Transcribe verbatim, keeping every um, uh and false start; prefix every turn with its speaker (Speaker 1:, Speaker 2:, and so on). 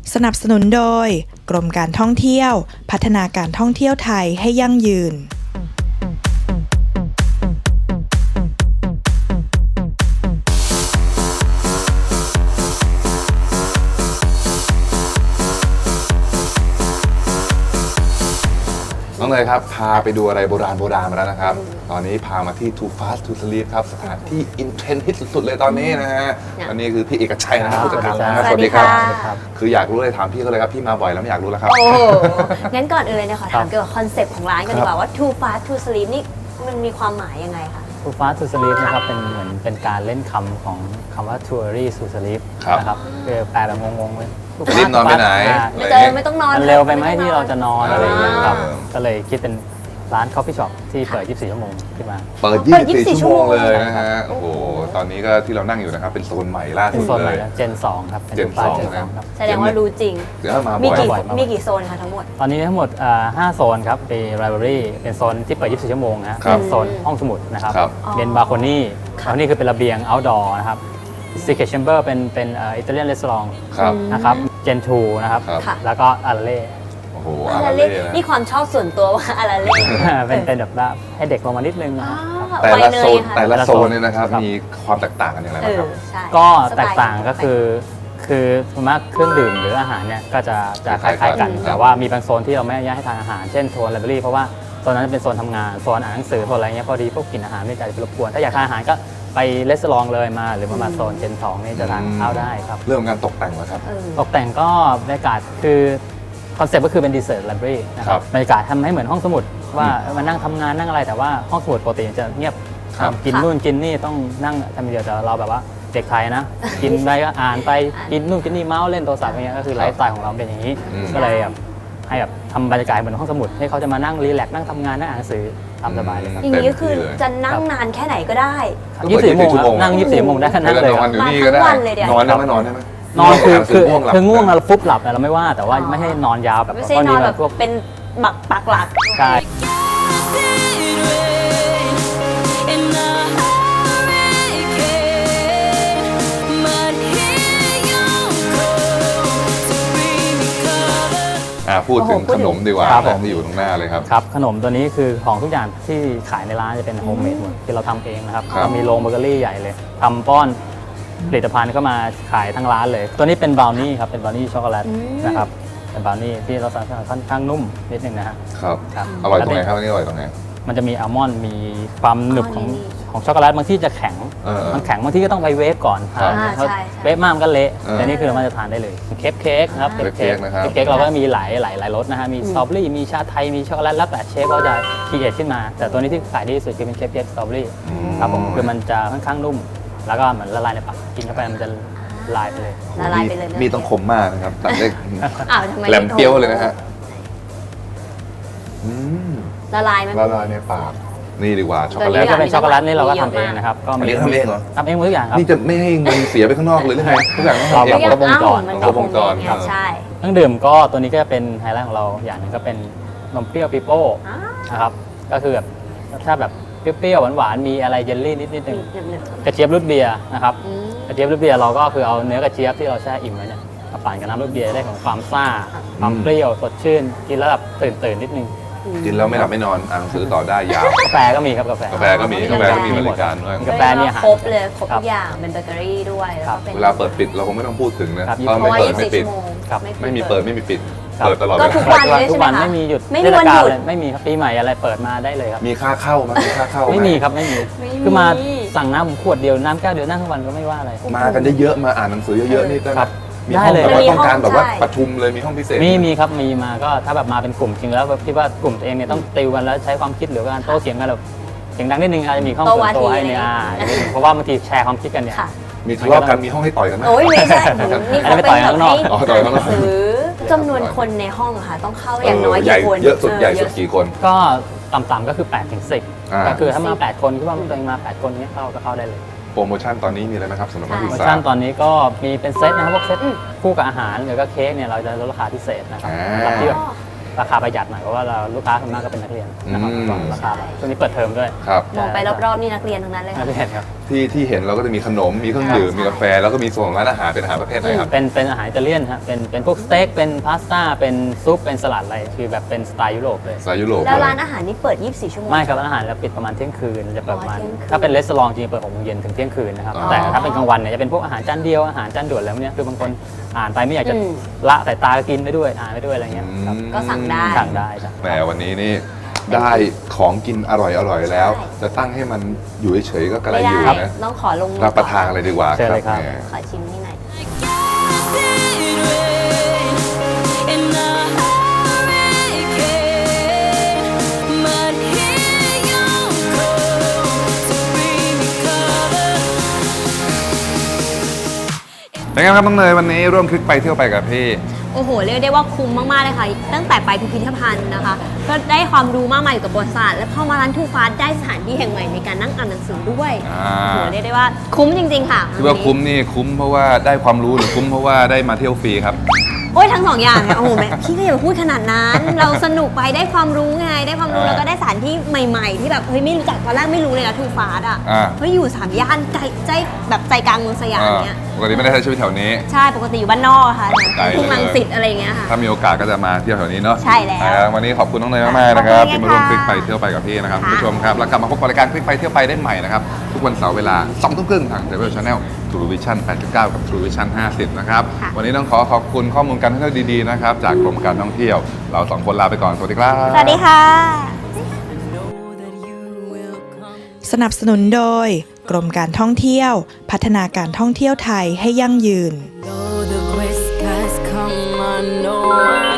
Speaker 1: สนับสนุนโดยกรมการท่องเที่ยวพัฒนาการท่องเที่ยวไทยให้ยั่งยืน
Speaker 2: น้องเนยครับพาไปดูอะไรโบราณโบราณมาแล้วนะครับตอนนี้พามาที่ Too Fast to Sleep ครับสถานที่อินเทรนด์ฮิตสุดๆเลยตอนนี้นะฮะอันนี้คือพี่เอกชัยนะครับผู้จัดการร้าน
Speaker 3: สวัสดีค่ะ
Speaker 2: คืออยากรู้เลยถามพี่เขาเลยครับพี่มาบ่อยแล้วไม่อยากรู้แล้วครับ
Speaker 3: โอ้งั้นก่อนอื่นเลยเนี่ยขอถามเกี่ยวกับคอนเซปต์ของร้านกันดีกว่าว่า Too Fast to Sleep นี่มันมีความหมายยังไงคะ
Speaker 4: Too Fast to Sleep นะครับเป็นเหมือนเป็นการเล่นคำของคำว่า Too early to sleep
Speaker 2: ครับ
Speaker 4: นะครับคือแปลแบบงงๆเลย
Speaker 2: รีบนอนไปไหน
Speaker 3: ไม่เจอไม่ต้องนอน
Speaker 4: มันเร็วไปไหมที่เราจะนอนอะไรอย่างเงี้ยครับ
Speaker 2: อ่า
Speaker 4: ก็เลยคิดเป็นร้าน Coffee Shop ที่เปิด ยี่สิบสี่ ชั่วโมงขึ้นมา
Speaker 2: เปิด ยี่สิบสี่ ชั่วโมงเลยนะฮะโอ้โหตอนนี้ก็ที่เรานั่งอยู่นะครับเป็นโซนใหม่ล่า
Speaker 4: เป็
Speaker 2: สุ
Speaker 4: น
Speaker 2: ด
Speaker 4: โซนให
Speaker 2: เล
Speaker 4: ม่
Speaker 2: ย
Speaker 4: เจนสองครับป็
Speaker 2: Gen
Speaker 4: ฟ้า
Speaker 2: สอง
Speaker 4: Gen
Speaker 2: นะ
Speaker 4: ครับ
Speaker 3: แสดงว่ารู้จริง
Speaker 2: เดี๋ยวมา
Speaker 3: มี
Speaker 2: บ่อย
Speaker 3: กี่
Speaker 4: บ่อยมาก
Speaker 3: มีกี่โซนคะทั้งหมด
Speaker 4: ตอนนี้ทั้งหมดอ่าห้าโซนครับเป็น Library เป็นโซนที่เปิด ยี่สิบสี่ ชั่วโมงนะฮะ
Speaker 2: ครับ
Speaker 4: เป็นโซนห้องสมุดนะครับ
Speaker 2: ครับ
Speaker 4: เป็นบาร์โคนี่บาร์โคนี่คือเป็นระเบียง outdoor นะครับ Secret Chamber เป็นเป็นอิตาเลียนรีสอร์ท
Speaker 2: ครับ
Speaker 4: นะครับ Gen ทูนะครับ
Speaker 2: ครับ
Speaker 3: ค่ะ
Speaker 4: แล้วก็อาราเล่
Speaker 2: โอ้โห
Speaker 3: อา
Speaker 2: อา
Speaker 3: รา
Speaker 2: รา
Speaker 3: เล่
Speaker 2: เล่นะ
Speaker 3: นี่ความชอบส่วนตัวว่าอาราเล่
Speaker 4: เป็นเป็นแบบว่าให้เด็กลงมานิดนึงนะ
Speaker 3: อ๋อ
Speaker 4: ครับ
Speaker 2: แต่ละ
Speaker 3: ไวเน
Speaker 2: โซ
Speaker 3: ย
Speaker 2: น
Speaker 3: ค่ะ
Speaker 2: แต่ละ
Speaker 4: แต่ละ
Speaker 2: โซ
Speaker 4: โซ
Speaker 2: น
Speaker 4: น
Speaker 2: เนี่ยนะครับ
Speaker 4: ครับ
Speaker 2: มีความแตกต่างกันอย่างไร
Speaker 3: เอ
Speaker 2: บ้างค
Speaker 3: อ
Speaker 2: รับ
Speaker 3: ใช่
Speaker 4: ก็
Speaker 3: สไล์
Speaker 4: แตกต่างก็คือคือส่วนมากเครื่องดื่มหรืออาหารเนี่ยก็จะจะคล้ายๆกัน
Speaker 2: ครับ
Speaker 4: แต่ว่ามีบางโซนที่เราไม่อนุญาตให้ทานอาหารเช่นโซนไลบรารีเพราะว่าโซนนั้นจะเป็นโซนทำงานโซนอ่านหนังสือโซนอะไรเงี้ยพอดีพวกกลิ่นอาหารไม่จะไปรบกวนถ้าอยากทานอาหารก็ไปเลสซองเลยมาหรือมามาโซนเจนสองนี่จะทานข้าวได้ครับ
Speaker 2: เรื่องการตกแต่งเหรอครับ
Speaker 3: เออ
Speaker 4: ตกแต่งก็บรรยากาศคือคอนเซ็ปต์ก็คือเป็นดีเซอร์ไลบรารีนะค
Speaker 2: ครั
Speaker 4: รับบ บรรยากาศทำให้เหมือนห้องสมุดว่ามานั่งทำงานนั่งอะไรแต่ว่าห้องสมุดปกติจะเงียบ
Speaker 2: ครับ
Speaker 4: กินนู่นกินนี่ต้องนั่งทำเดียวแต่เราแบบว่าเด็กไทยนะ กินไปก็อ่านไปกินนู่นกินนี่เมาส์เล่นโทรศัพท์อย่างเงี้ยก็คือไลฟ์สไตล์ของเราเป็นอย่างนี้
Speaker 2: อืม
Speaker 4: ก็เลยแบบให้แบบทำบรรยากาศเหมือนห้องสมุดให้เขาจะมานั่งรีแลกซ์นั่งทำงานนั่งอ่านหนังสือตามสบายเลยครับ
Speaker 3: อย่างนี้ก็คือจะนั่งนานแค่ไหนก็ได้
Speaker 4: ยี่สิบสี่ชั่วโมงครับนั่งยี่สิบสี่ชั่วโมงได้แค่นั้นเลย
Speaker 2: น
Speaker 4: ค
Speaker 2: อ
Speaker 4: รั
Speaker 2: น
Speaker 4: บ
Speaker 2: อยู่นี่ก็ได้
Speaker 3: มาทั้งวันเลยเดี๋ยว
Speaker 2: นอนได้ไหมนอนได้ไหม
Speaker 4: นอนคือคือ
Speaker 2: ง่วงหลับ
Speaker 4: คือง่วงเราฟุบหลับเราไม่ว่าแต่ว่าไม่ให้นอนยาวแบบ
Speaker 3: ไม่ใช่นอนแบบ
Speaker 4: พวก
Speaker 3: เป็นบักปักหลัก
Speaker 4: ใช่
Speaker 2: อ่าพูดถึง
Speaker 3: โอ้โหพู
Speaker 2: ข
Speaker 3: ดถึง
Speaker 2: นมดีกว่า
Speaker 4: ครับผม
Speaker 2: ที่อยู่ตรงหน้าเลยครับ
Speaker 4: ครับขนมตัวนี้คือของทุกอย่างที่ขายในร้านจะเป็นโฮมเมดหมดที่เราทำเองนะครับ
Speaker 2: ครับ
Speaker 4: เรามีโรงเบเกอรี่ใหญ่เลยทำป้อนผลิตภัณฑ์เข้ามาขายทั้งร้านเลย ตัวนี้เป็นบราวนี่ครับเป็นบราวนี่ช็อกโกแลตนะครับเป็นบราวนี่ที่เราสั่งค่อนข้างนุ่มนิดนึงนะฮะ
Speaker 2: ครับ
Speaker 4: ครับ
Speaker 2: อร่อยตรงไหนครับอันนี้อร่อยตรงไหน
Speaker 4: มันจะมีอัลมอนด์มีความหนึบของของช็อกโกแลตบางที่จะแข็ง
Speaker 2: เออ
Speaker 4: มันแข็งบางที่ก็ต้องไปเวฟก่อน
Speaker 2: ครับ
Speaker 4: ทานเพราะ
Speaker 3: อ่าใช่
Speaker 4: เวฟมากมันก็เละ
Speaker 2: เออ
Speaker 4: แต่นี่คือมันจะทานได้เลยเค้กเค้กครับ
Speaker 2: เค้กเค้กนะครับ
Speaker 4: เค้กเราก็มีหลายหลายหลายรสนะฮะมีสตรอเบอรี่มีชาไทยมีช็อกโกแลตแล้วแต่เชฟเขาจะคีเอทขึ้นมา แต่ตัวนี้ที่ขายดีที่สุดคือเป็นเค้กเค้กสตรอเบอรี่ครับผมคือมันจะค่อนข้างนุ่ม แล้วก็เหมือนละลายในปากกินเข้าไปมันจะละลายไปเลย
Speaker 3: ละลายไปเลย
Speaker 2: มีต้องคมมากนะครับตัดได้
Speaker 3: อ้าวทำไม
Speaker 2: แหลมเปรี้ยวเลยนะฮะอืม
Speaker 3: ละลายไหม
Speaker 2: ละลายในปากนี่ดีกว่าช็อกโกแล
Speaker 4: แล้
Speaker 2: ต
Speaker 4: วก็เป็นช็อกโกแลตนี่เราก็ทำเองนะครับก็
Speaker 2: อันนี้ทำเองเหรอ
Speaker 4: ทำเองหมดทุกอย่างครับ
Speaker 2: นี่จะไม่ให้เงินเสียไปข้างนอกเลยหรือไงทุกอย่างต้องทำเอง
Speaker 4: เรา
Speaker 2: หมด
Speaker 4: ครบวงจร
Speaker 3: มัน
Speaker 2: ครบวงจร
Speaker 3: ไง
Speaker 2: ครับ
Speaker 3: ใช่
Speaker 4: เครื่องดื่มก็ตัวนี้ก็เป็นไฮไลท์ของเราอย่างหนึงก็เป็นนมเปรี้ยวปิโป้
Speaker 3: อ้าว
Speaker 4: นะครับก็คือแบบถ้าแบบเปรี้ยวๆหวานๆมีอะไรเยลลี่นิดนิดนึง
Speaker 3: หนึบ
Speaker 4: กระเจี๊ยบรูทเบียร์นะครับ
Speaker 3: ๆอืม
Speaker 4: กระเจี๊ยบรูทเบียร์เราก็คือเอาเนื้อกระเจี๊ยบที่เราแช่อิ่มไว้เนี่ยมาปั่นกับน้ำรูทเบียร์ได้ของความซ่าความเปรี้ยวสดชื่นกินแล้วแบบตื่นตื่นๆนิดนึง
Speaker 2: กินแล้วไม่หลับไม่นอนอ่านหนังสือต่อได้ยาว
Speaker 4: กาแฟก็มีครับกาแฟ
Speaker 2: กาแฟก็มีกาแฟก็มีบริการด้วย
Speaker 4: กาแฟนี่อาหาร
Speaker 3: ครบเลยครบ
Speaker 4: ครั
Speaker 3: ทุ
Speaker 4: บ
Speaker 3: กอย่างเป็นเบเกอรี่ด้วยแล้ว
Speaker 4: ครั
Speaker 3: ก็
Speaker 4: บ
Speaker 3: เป็น
Speaker 2: เวลาเปิดปิดเราคงไม่ต้องพูดถึงนะครับ เพราะ
Speaker 3: เพ
Speaker 2: ไม่
Speaker 3: ราะว่า
Speaker 2: เปิด
Speaker 3: ยี่สิ
Speaker 2: ไม่
Speaker 3: บ
Speaker 2: ปิด
Speaker 3: ชั่วโมง
Speaker 4: ครับ
Speaker 2: ไม่มีเปิดไม่มีปิด
Speaker 4: ครับ
Speaker 2: เปิดตลอดเว
Speaker 3: ก็
Speaker 2: ลา
Speaker 3: ทุกวันเลย
Speaker 4: ทุ
Speaker 3: ใช่
Speaker 4: ก
Speaker 3: ไหม
Speaker 4: วัน
Speaker 3: คะ
Speaker 4: ไม่มีหยุด
Speaker 3: ไม่มี
Speaker 4: เทศ
Speaker 3: วัน
Speaker 4: กา
Speaker 3: ห
Speaker 4: ล
Speaker 3: ยุด
Speaker 4: เลยไม่มีครับปีใหม่อะไรเปิดมาได้เลยครับ
Speaker 2: มีค่าเข้าไหมมีค่าเข้าห
Speaker 4: ไม่มีครับไม่มี
Speaker 3: ไม่มี
Speaker 4: คือมาสั่งน้ำขวดเดียวน้ำแก้วเดียวนั่งทั้งวันก็ไม่ว่าอะไร
Speaker 2: มากันเยอะๆมาอ่านหนังสือเยอะๆนี่ได้ไหม
Speaker 4: ครับ
Speaker 2: มี
Speaker 4: ได้
Speaker 2: ห้อง
Speaker 4: เลย
Speaker 2: แบบว่า
Speaker 3: มี
Speaker 2: ต้องการ
Speaker 3: ห้อง
Speaker 2: แบบว่า
Speaker 3: ใช่
Speaker 2: ประชุมเลยมีห้องพิเศษ
Speaker 4: มีมีครับมีมาก็ถ้าแบบมาเป็นกลุ่มจริงแล้วแบบคิดว่ากลุ่มตัวเองเนี่ยต้องติวกันแล้วใช้ความคิดหรือการโต้เถียงกันแบบเสียงดังนิดนึงอาจจะมีห้องส่วนตัวให้เนี่ยอ่าเพราะว่าบางทีแชร์ความคิดกันเนี่ย
Speaker 3: ค่ะ
Speaker 2: มีทะเลาะกันมีห้องให้ต่อยกันไหม
Speaker 3: โอ้ยไม่ใช่นี่
Speaker 4: อันนี้
Speaker 3: เขา
Speaker 4: ไม่
Speaker 3: เป็น
Speaker 4: ต่อย
Speaker 3: แบบ
Speaker 4: ข้างนอก
Speaker 3: ให้
Speaker 2: อ๋อต่อยข้างนอก
Speaker 3: หนังสือจำนวนคนในห้องอะค่ะ ต้องเข้าอย่างน้อย
Speaker 2: ใหญ่
Speaker 3: กี่คน
Speaker 2: เยอะสุดใหญ่สุด
Speaker 3: เออ
Speaker 2: กี่คน
Speaker 4: ก็ต่ำๆก็คือแปดถึงสิบ
Speaker 2: อ่า
Speaker 4: ก็คือถ้ามาแปดคนคิดว่าตัวเองมาแปดคนเนี้ยเข้าก็เข้าได้เลย
Speaker 2: โปรโมชั่นตอนนี้มีอะไรไหมครับสำหรับนัก
Speaker 4: โป
Speaker 2: ศึ
Speaker 4: ร
Speaker 2: ก
Speaker 4: โม
Speaker 2: ษา
Speaker 4: ชั่นตอนนี้ก็มีเป็นเซตนะครับพวกเซต
Speaker 3: อืม
Speaker 4: คู่กับอาหารหรือก็เค้กเนี่ยเราจะลดราคาพิเศษนะครับ
Speaker 2: อ่า
Speaker 4: สำหรับที่แบบราคาประหยัดหน่อยเพราะว่าเราลูกค้าส่วนมากก็เป็นนักเรียนนะครับ
Speaker 2: อืม
Speaker 4: ก็ราคาแบบช่วงนี้เปิดเทอมด้วย
Speaker 2: ครับ
Speaker 3: มองไปรอบๆนี่นักเรียนทั้งนั้นเลย
Speaker 4: นั
Speaker 3: ค่ะ
Speaker 4: กเรียนครับ
Speaker 2: ที่ที่เห็นเราก็จะมีขนมมีเครื่องดื่มมีกาแฟแล้วก็มีโซนของร้านอาหารเป็นอาหารประเภทไหนครับ
Speaker 4: เป็นเป็นอาหารอิตาเลียนฮะเป็นเป็นพวกสเต็กเป็นพาสต้าเป็นซุปเป็นสลัดอะไรคือแบบเป็นสไตล์ยุโรปเลย
Speaker 2: สไตล์ยุโรป
Speaker 3: แล้ว
Speaker 2: เลย
Speaker 3: ร้านอาหารนี่เปิด ยี่สิบสี่ ชั่วโมง
Speaker 4: ไม่ครับร้านอาหารเราปิดประมาณเที่ยงคืนจะเปิดประมาณ
Speaker 3: อ๋อเที่ยงคืน
Speaker 4: ถ้าเป็นรีสอร์ทจริงๆเปิดหกโมงเย็นถึงเที่ยงคืนนะครับ
Speaker 2: อ๋อ
Speaker 4: แต่ถ้าเป็นกลางวันเนี่ยจะเป็นพวกอาหารจานเดียวอาหารจานด่วนอะไรพวกเนี้ยคือบางคนอ่านไปไม่อยากจะ
Speaker 3: อืม
Speaker 4: ละสายตาก็กินไปด้วยอ่านไปด้วยอะไรเงี้ยครับ
Speaker 3: ก็สั่งได้
Speaker 4: สั่งได้ครับ
Speaker 2: แหมวันนี้นี่ได้ของกินอร่อยอร่อยแล้ว
Speaker 3: ใช่
Speaker 2: จะตั้งให้มันอยู่เฉยๆก็กระไร
Speaker 3: ไม่
Speaker 2: อ
Speaker 3: ได้
Speaker 2: ยู่นะ
Speaker 3: ต้องขอลงมือ
Speaker 2: รับประทานอะไรดีกว่า
Speaker 4: เชิญเลยครับ
Speaker 2: แหม
Speaker 3: ขอชิมนี่หน่อย
Speaker 2: เป็นไงครับน้องเนยวันนี้ร่วมคลิกไปเที่ยวไปกับพี่
Speaker 3: โอ้โห เรียกได้ว่าคุ้มมาก ๆ เลยค่ะ ตั้งแต่ไปพิพิธภัณฑ์นะคะ ก็ได้ความรู้มากมายเกี่ยวกับประวัติศาสตร์และพอมาร้านทูฟาสได้สถานที่แห่งใหม่ในการนั่งอ่านหนังสือด้วย
Speaker 2: อ่า
Speaker 3: โอ้โห เรียกได้ว่าคุ้มจริง ๆ ค่ะ
Speaker 2: ที่ว่าคุ้มนี่คุ้มเพราะว่าได้ความรู้หรือคุ้มเพราะว่าได้มาเที่ยวฟรีครับ
Speaker 3: โอ้ยทั้งสองอย่างเนี่ยโอ้โหแม่พี่ก็อย่าไปพูดขนาดนั้น เราสนุกไปได้ความรู้ไง ได้ความรู้
Speaker 2: อ่า
Speaker 3: แล้วก็ได้สถานที่ใหม่ ๆ ที่แบบเฮ้ยไม่รู้จักตอนแรกไม่รู้เลยนะทูฟาสอ่ะ
Speaker 2: อ่า
Speaker 3: เฮ้ยอยู่สามย่านใจใจแบบใจกลางเมืองสยามเนี่ย
Speaker 2: ปกติไม่ได้ใช้ชีวิตแถวนี้
Speaker 3: ใช่ปกติอยู่บ้านนอกอะค่ะ
Speaker 2: ไกลเลย
Speaker 3: ทุ่งรังสิตอะไรอย่างเงี้ยค่ะ
Speaker 2: ถ้ามีโอกาสก็จะมาเที่ยวแถวนี้เนาะ
Speaker 3: ใช่แล้ว
Speaker 2: อ่าวันนี้ขอบคุณน้องเนยมากๆนะครับ
Speaker 3: ขอบคุณ
Speaker 2: ที่มาร่วมคลิก
Speaker 3: ค่ะ
Speaker 2: ไปเที่ยวไปกับพี่นะครับ
Speaker 3: ค่ะ
Speaker 2: คุณผู้ชมครับแล้วกลับมาพบกับรายการคลิกไปเที่ยวไปได้ใหม่นะครับทุกวันเสาร์เวลาสองทุ่มครึ่งทาง Travel Channel True Vision แปดสิบเก้า กับ True Vision ห้าสิบนะครับ
Speaker 3: ค่ะ
Speaker 2: วันนี้ต้องขอขอบคุณข้อมูลการท่องเที่ยวดีๆนะครับจากกรมการท่องเที่ยวเราสองคนลาไปก่อนสวัสดีครับ
Speaker 3: สวัสดีค่ะ
Speaker 1: สนับสนุนโดย กรมการท่องเที่ยว พัฒนาการท่องเที่ยวไทยให้ยั่งยืน
Speaker 5: Though the gray skies come, I know I